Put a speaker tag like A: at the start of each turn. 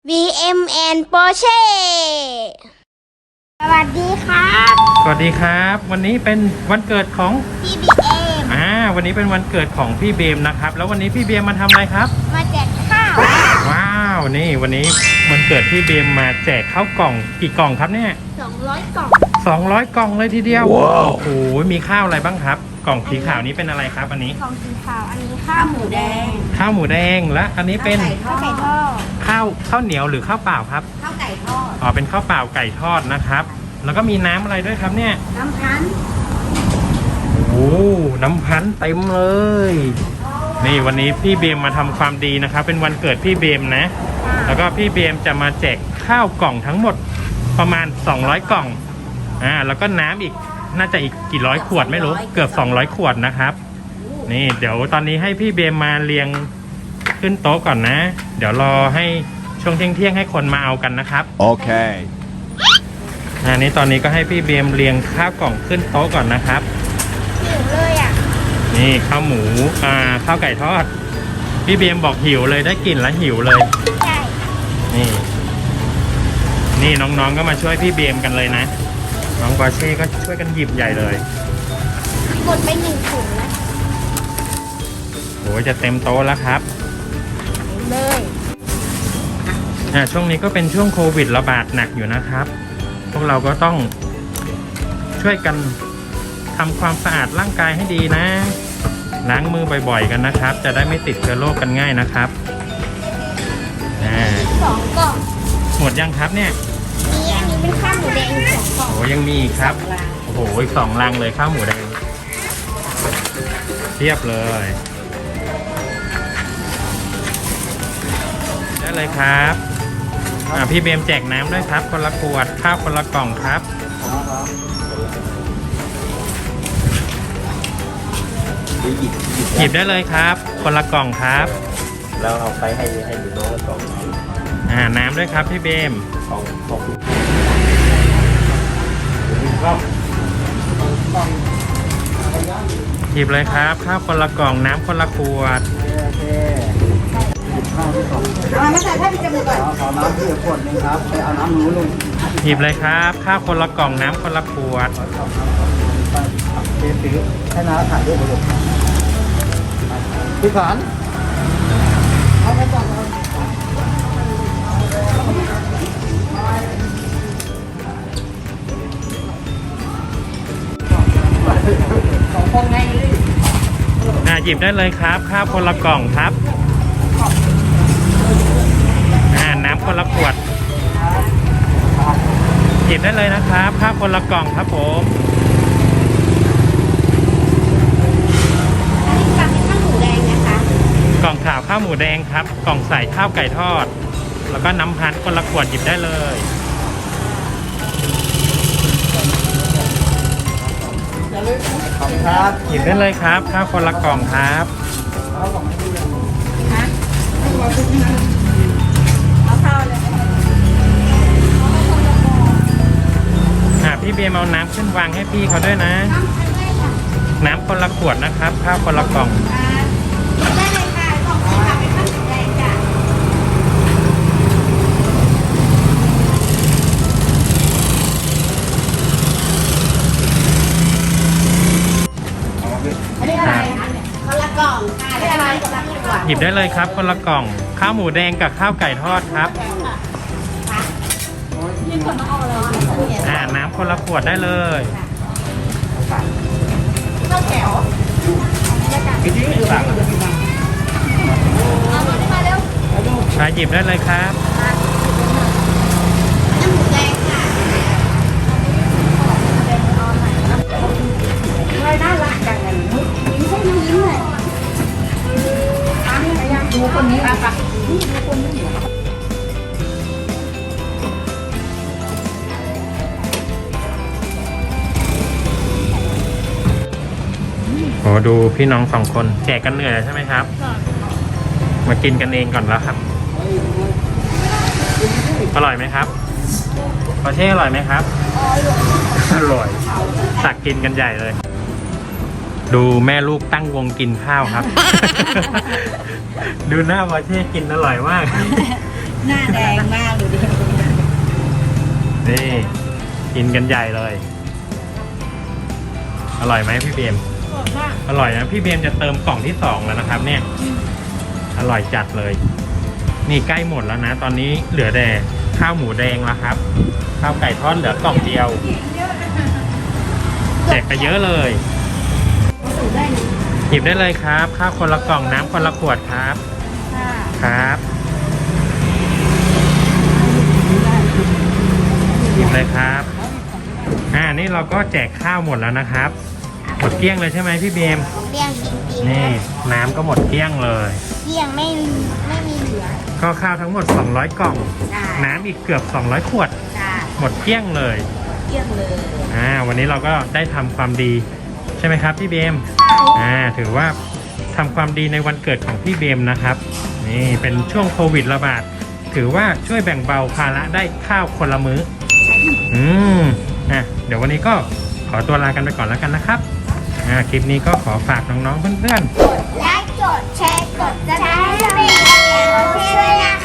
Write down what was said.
A: VMN Porsche สวัสดีครับ
B: สวัสดีครับ วันนี้เป็นวันเกิดของ
A: BBM
B: วันนี้เป็นวันเกิดของพี่เบมนะครับ แล้ววันนี้พี่เบมมาทำอะไรครับ
A: มาแจกข้าว
B: ว้าวนี่วันนี้วันเกิดพี่เบมมาแจกข้าวกล่องกี่กล่องครับเนี่ย
A: 200 กล่อง
B: 200 กล่องเลยทีเดียวว้าวโอ้โหมีข้าวอะไรบ้างครับ กล่องสีขาวนี้เป็นอะไรครับอันนี้
A: กล่องสีขาวอันนี้ข้าวหมูแดง
B: ข้าวหมูแดงและอันนี้เป็น
A: ข้าวไก่ทอด
B: ข้าวเหนียวหรือข้าวเปล่าครับ
A: ข้าวไก่ทอด
B: อ๋อเป็นข้าวเปล่าไก่ทอดนะครับ แล้วก็มีน้ำอะไรด้วยครับเนี่ย
A: น้ำพัน
B: โอ้น้ำพันธุ์เต็มเลย นี่วันนี้พี่เบมมาทำความดีนะครับ เป็นวันเกิดพี่เบมนะ แล้วก็พี่เบมจะมาแจกข้าวกล่องทั้งหมดประมาณ200กล่องแล้วก็น้ำอีกน่าจะอีกกี่ร้อยขวดไม่รู้เกือบ200ขวดนะครับ นี่เดี๋ยวตอนนี้ให้พี่เบมมาเรียงขึ้นโต๊ะก่อนนะ เดี๋ยวรอให้ช่วงเที่ยงให้คนมาเอากันนะครับ
C: Okay.
B: นี่ตอนนี้ก็ให้พี่เบมเรียงข้าวกล่องขึ้นโต๊ะก่อนนะครับ
A: หิวเลยอ่ะ
B: นี่ข้าวหมูข้าวไก่ทอดพี่เบมบอกหิวเลยได้กลิ่นแล้วหิวเลย
A: ใช่
B: นี่น้องๆก็มาช่วยพี่เบมกันเลยนะน้องปอร์เช่ก็ช่วยกันหยิบใหญ่เลย
A: หมดไป1 ถุงนะ
B: โอ้ยจะเต็มโต๊ะแล้วครับ
A: เลย
B: ช่วงนี้ก็เป็นช่วงโควิดระบาดหนักอยู่นะครับ พวกเราก็ต้องช่วยกันทำความสะอาดร่างกายให้ดีนะล้างมือบ่อยๆกันนะครับ จะได้ไม่ติดเชื้อโรคกันง่ายนะครับ
A: 2 กล่อง
B: หมดยังครับเนี่ย
A: อันนี้เป็นข้าวหมูแดง2 กล่อง
B: โอ้ยังมีอีกครับ โอ้โหอีก2 ลังเลยข้าวหมูแดงเทียบเลยได้เลยครับพี่เบมแจกน้ำด้วยครับคนละขวดข้าวคนละกล่องครับ หยิบได้เลยครับ คนละกล่องครับ
D: แล้วเอาไปให้ดูน้องละ2
B: น้ำด้วยครับพี่เบม
D: ของ
B: หยิบเลยครับข้าวคนละกล่องน้ำคนละขวด
A: เอามาใส่ผ้าปิดจมูกก่อน
D: เอาน้ำที่ขวดนึงครับไปเอาน้ำนู้นลง
B: หยิบเลยครับข้าวคนละกล่องน้ำคนละขวด
D: ซื้อให้น้าถ่ายรูปไปเลยพี่ขานเอาไปก่อน2 คนไง
B: หยิบได้เลยครับข้าวคนละกล่องครับน้ำคนละขวดหยิบได้เลยนะครับข้าวคนละกล่องครับผม
A: อันนี้กล่องเป็นข้าวหมูแดงนะคะ
B: กล่องขาวข้าวหมูแดงครับ กล่องใส่ข้าวไก่ทอด แล้วก็น้ำพันธุ์คนละขวดหยิบได้เลย
D: ขอบคุณครับ
B: หยิบได้เลยครับข้าวคนละกล่องครับ
A: เอาข้าวเลย
B: พี่เบียร์เอาน้ำขึ้นวางให้พี่เขาด้วยนะ น้ำคนละขวดนะครับข้าวคนละกล่อง
A: ได้เลยค่ะกล่องสีขาวเป็นข้าวหมูแดงจ้ะ อันนี้อะไรคะเนี่ยคนละกล่องค่ะได้อะไรคนละขวด
B: หยิบได้เลยครับคนละกล่องข้าวหมูแดงกับข้าวไก่ทอดครับน้ำคนละขวดได้เลย
A: ข้าวแถว
D: พี่ที่อยู่หลัง
A: เอามาเร็ว
B: หยิบได้เลยครับ
A: น้ำหมูแดงค่ะเลยน่ารักจังเลยยิ้มใช่ไหมยิ้มเลยดูคนนี้อ่ะค่ะดูคนนี้
B: โอ้ดูพี่น้อง2 คนแจกกันเหนื่อยใช่ไหมครับ มากินกันเองก่อนแล้วครับ อร่อยไหมครับปอเช่อร่อยไหมครับ อร่อยตักกินกันใหญ่เลย ดูแม่ลูกตั้งวงกินข้าวครับ ดูหน้าปอเช่กินอร่อยมาก
C: หน้าแดงมากดูดิ
B: นี่กินกันใหญ่เลย อร่อยไหมพี่เบม อร่อยนะพี่เบมจะเติมกล่องที่2แล้วนะครับ เนี่ย อร่อยจัดเลย นี่ใกล้หมดแล้วนะ ตอนนี้เหลือแต่ข้าวหมูแดงแล้วครับ ข้าวไก่ทอดเหลือกล่องเดียวแจกไปเยอะเลยหยิบได้เลยครับข้าวคนละกล่องน้ำคนละขวดครับครับหยิบเลยครับนี่เราก็แจกข้าวหมดแล้วนะครับหมดเกลี้ยงเลยใช่ไหมพี่เบม
A: เลี้ยงจริงๆ
B: นี่น้ำก็หมดเกลี้ยงเลย
A: เลี้ยงไม่มีเหลือ
B: ก็ข้าวทั้งหมด200กล่อง น้ำอีกเกือบ200ขวด
A: จ้า
B: หมดเกลี้ยงเลย
C: เยี่ยมเลย
B: วันนี้เราก็ได้ทำความดีใช่ไหมครับพี่เบมถือว่าทำความดีในวันเกิดของพี่เบมนะครับนี่เป็นช่วงโควิดระบาดถือว่าช่วยแบ่งเบาภาระได้ข้าวคนละมื้อเดี๋ยววันนี้ก็ขอตัวลากันไปก่อนแล้วกันนะครับคลิปนี้ก็ขอฝากน้องๆเพื่อนๆ
A: ไลค์กดแชร์กดซับสไครต์ให้เป็นกำลังใจให้ด้วยนะคะ